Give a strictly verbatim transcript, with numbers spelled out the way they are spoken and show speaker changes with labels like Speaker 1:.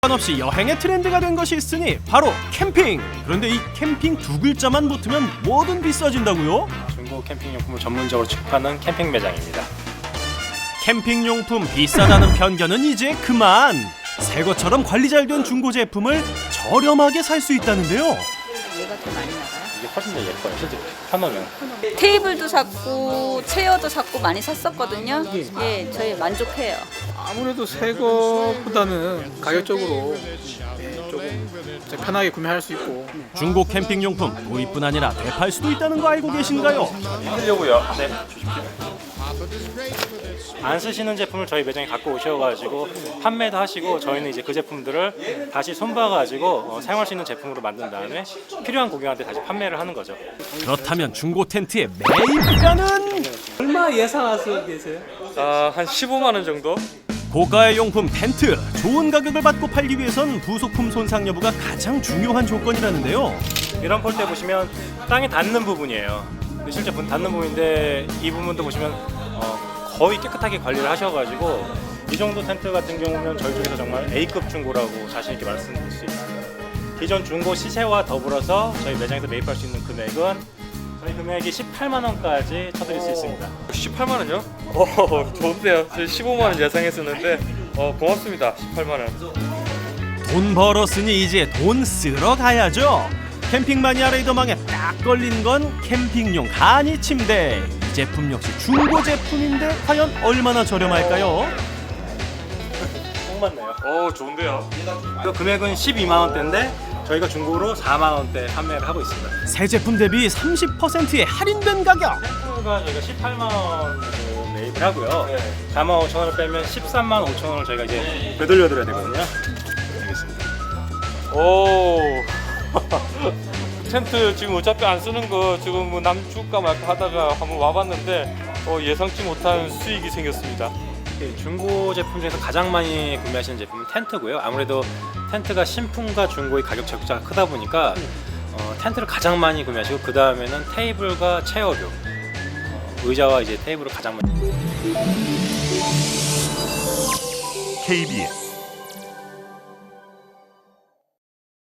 Speaker 1: 상관없이 여행의 트렌드가 된 것이 있으니 바로 캠핑. 그런데 이 캠핑 두 글자만 붙으면 뭐든 비싸진다고요?
Speaker 2: 중고 캠핑용품을 전문적으로 취급하는 캠핑 매장입니다.
Speaker 1: 캠핑용품 비싸다는 편견은 이제 그만. 새 것처럼 관리 잘 된 중고 제품을 저렴하게 살 수 있다는데요.
Speaker 3: 얘가 더 많이 나가요?
Speaker 2: 이게 훨씬 더 예뻐요. 실제 펴놓으면.
Speaker 3: 테이블도 샀고 체어도 샀고 많이 샀었거든요. 예, 저희 만족해요.
Speaker 4: 아무래도 새 거보다는 가격적으로 예, 조금 더 편하게 구매할 수 있고
Speaker 1: 중고 캠핑용품 도입뿐 아니라 되팔 수도 있다는 거 알고 계신가요?
Speaker 2: 하려고요. 네. 안 쓰시는 제품을 저희 매장에 갖고 오셔가지고 판매도 하시고 저희는 이제 그 제품들을 다시 손봐가지고 어, 사용할 수 있는 제품으로 만든 다음에 필요한 고객한테 다시 판매를 하는 거죠.
Speaker 1: 그렇다면 중고 텐트의 매입가는?
Speaker 5: 얼마 예상하고 계세요?
Speaker 6: 아, 한 십오만 원 정도?
Speaker 1: 고가의 용품 텐트. 좋은 가격을 받고 팔기 위해선 부속품 손상 여부가 가장 중요한 조건이라는데요.
Speaker 2: 이런 폴대 보시면 땅에 닿는 부분이에요. 근데 실제 닿는 부분인데 이 부분도 보시면 어, 거의 깨끗하게 관리를 하셔가지고 이 정도 텐트 같은 경우는 저희 쪽에서 정말 A급 중고라고 자신 있게 말씀드릴 수 있습니다. 기존 중고 시세와 더불어서 저희 매장에서 매입할 수 있는 금액은 저희 금액이 십팔만 원까지 쳐드릴 수 있습니다.
Speaker 6: 십팔만 원이요? 어, 좋은데요. 저희 십오만 원 예상했었는데 어, 고맙습니다. 십팔만 원.
Speaker 1: 돈 벌었으니 이제 돈 쓰러 가야죠. 캠핑 마니아 레이더망에 딱 걸린 건 캠핑용 간이 침대. 이 제품 역시 중고 제품인데 과연 얼마나 저렴할까요?
Speaker 2: 딱 맞네요.
Speaker 6: 어, 좋은데요.
Speaker 2: 그 금액은 십이만 원대인데 저희가 중고로 사만 원대 판매를 하고 있습니다.
Speaker 1: 새 제품 대비 삼십 퍼센트의 할인된 가격.
Speaker 2: 텐트가 저희가 십팔만 원으로 매입을 하고요. 사만 오천 원을 빼면 십삼만 오천 원을 저희가 이제 되돌려드려야 되거든요. 알겠습니다.
Speaker 6: 오. 텐트 지금 어차피 안 쓰는 거 지금 뭐 남 줄까 말까 하다가 한번 와봤는데 어, 예상치 못한 수익이 생겼습니다.
Speaker 2: 중고 제품 중에서 가장 많이 구매하시는 제품은 텐트고요. 아무래도 텐트가 신품과 중고의 가격 차이가 크다 보니까 어, 텐트를 가장 많이 구매하시고 그 다음에는 테이블과 체어류, 어, 의자와 이제 테이블을 가장 많이.
Speaker 7: 케이비에스